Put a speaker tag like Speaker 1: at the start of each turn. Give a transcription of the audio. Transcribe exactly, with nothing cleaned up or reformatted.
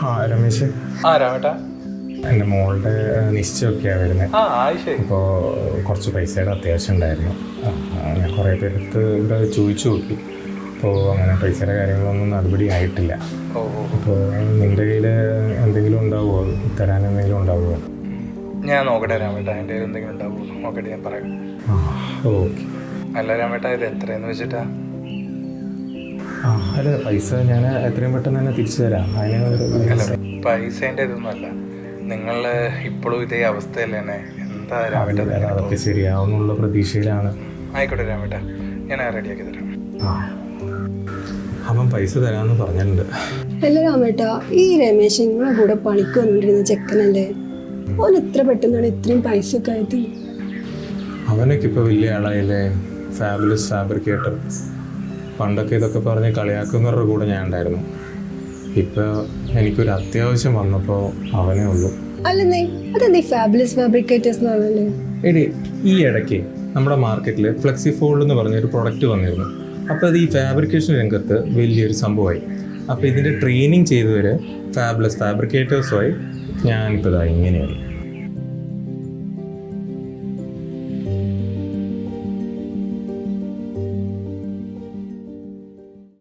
Speaker 1: ആ രമേശ്.
Speaker 2: ആ രാമേട്ടാ,
Speaker 1: എൻ്റെ മോളുടെ നിശ്ചയമൊക്കെയാണ് വരുന്നത്.
Speaker 2: ആ ആയിഷേ.
Speaker 1: അപ്പോൾ കുറച്ച് പൈസയുടെ അത്യാവശ്യം ഉണ്ടായിരുന്നു. ഞാൻ കുറേ പേരെടുത്ത് ഇവിടെ ചോദിച്ചു നോക്കി. അപ്പോൾ അങ്ങനെ പൈസയുടെ കാര്യങ്ങളൊന്നും നടപടി ആയിട്ടില്ല.
Speaker 2: ഓ
Speaker 1: അപ്പോൾ നിൻ്റെ കയ്യിൽ എന്തെങ്കിലും ഉണ്ടാവുമോ, തരാൻ എന്തെങ്കിലും ഉണ്ടാവുമോ?
Speaker 2: ഞാൻ നോക്കട്ടെ രാമേട്ടാ, എൻ്റെ കയ്യിൽ എന്തെങ്കിലും ഉണ്ടാവുമോ നോക്കട്ടെ, ഞാൻ പറയാം.
Speaker 1: ആ ഓക്കെ.
Speaker 2: അല്ല രാമേട്ടാ, ഇത് എത്രയെന്ന് വെച്ചിട്ടാ?
Speaker 1: ആ അല്ല, പൈസ ഞാൻ എത്രയും പെട്ടെന്ന് തന്നെ തിരിച്ചു തരാം. അതിന്
Speaker 2: പൈസേൻ്റെ ഇതൊന്നുമല്ല, നിങ്ങൾ ഇപ്പോഴും ഇതേ അവസ്ഥയല്ലേ തന്നെ. എന്താ രാമേട്ടാ?
Speaker 1: അതൊക്കെ ശരിയാവുന്നുള്ള പ്രതീക്ഷയിലാണ്.
Speaker 2: ആയിക്കോട്ടെ രാമേട്ടാ, ഞാൻ റെഡിയാക്കി തരാം.
Speaker 1: ആ അവൻ പൈസ തരാമെന്ന് പറഞ്ഞിട്ടുണ്ട്.
Speaker 3: അല്ല രാമേട്ടാ, ഈ രമേശ് നിങ്ങളെ കൂടെ പണിക്ക് വന്നിട്ടിരുന്ന ചെക്കനല്ലേ, ഓൻ എത്ര പെട്ടെന്നാണ് ഇത്രയും പൈസ ഒക്കെ ആയത്?
Speaker 1: അവനൊക്കെ ഇപ്പോൾ വലിയ ആളായില്ലേ, ഫാബുലസ് ഫാബ്രിക്കേറ്റർ. പണ്ടൊക്കെ ഇതൊക്കെ പറഞ്ഞ് കളിയാക്കുന്നവരുടെ കൂടെ ഞാൻ ഉണ്ടായിരുന്നു. ഇപ്പോൾ എനിക്കൊരു അത്യാവശ്യം വന്നപ്പോൾ അവനേ ഉള്ളൂ.
Speaker 3: അല്ലെന്നേ, അതെന്താ ഫാബുലസ് ഫാബ്രിക്കേറ്റേഴ്സ് എന്ന് പറഞ്ഞല്ലേ?
Speaker 1: എടി, ഈ ഇടയ്ക്ക് നമ്മുടെ മാർക്കറ്റിൽ ഫ്ലെക്സി ഫോൾഡ് എന്ന് പറഞ്ഞൊരു പ്രൊഡക്റ്റ് വന്നിരുന്നു. അപ്പോൾ അത് ഈ ഫാബ്രിക്കേഷൻ രംഗത്ത് വലിയൊരു സംഭവമായി. അപ്പോൾ ഇതിൻ്റെ ട്രെയിനിങ് ചെയ്തവർ ഫാബുലസ് ഫാബ്രിക്കേറ്റേഴ്സുമായി ഞാനിപ്പോൾ ഇതാ ഇങ്ങനെയായി.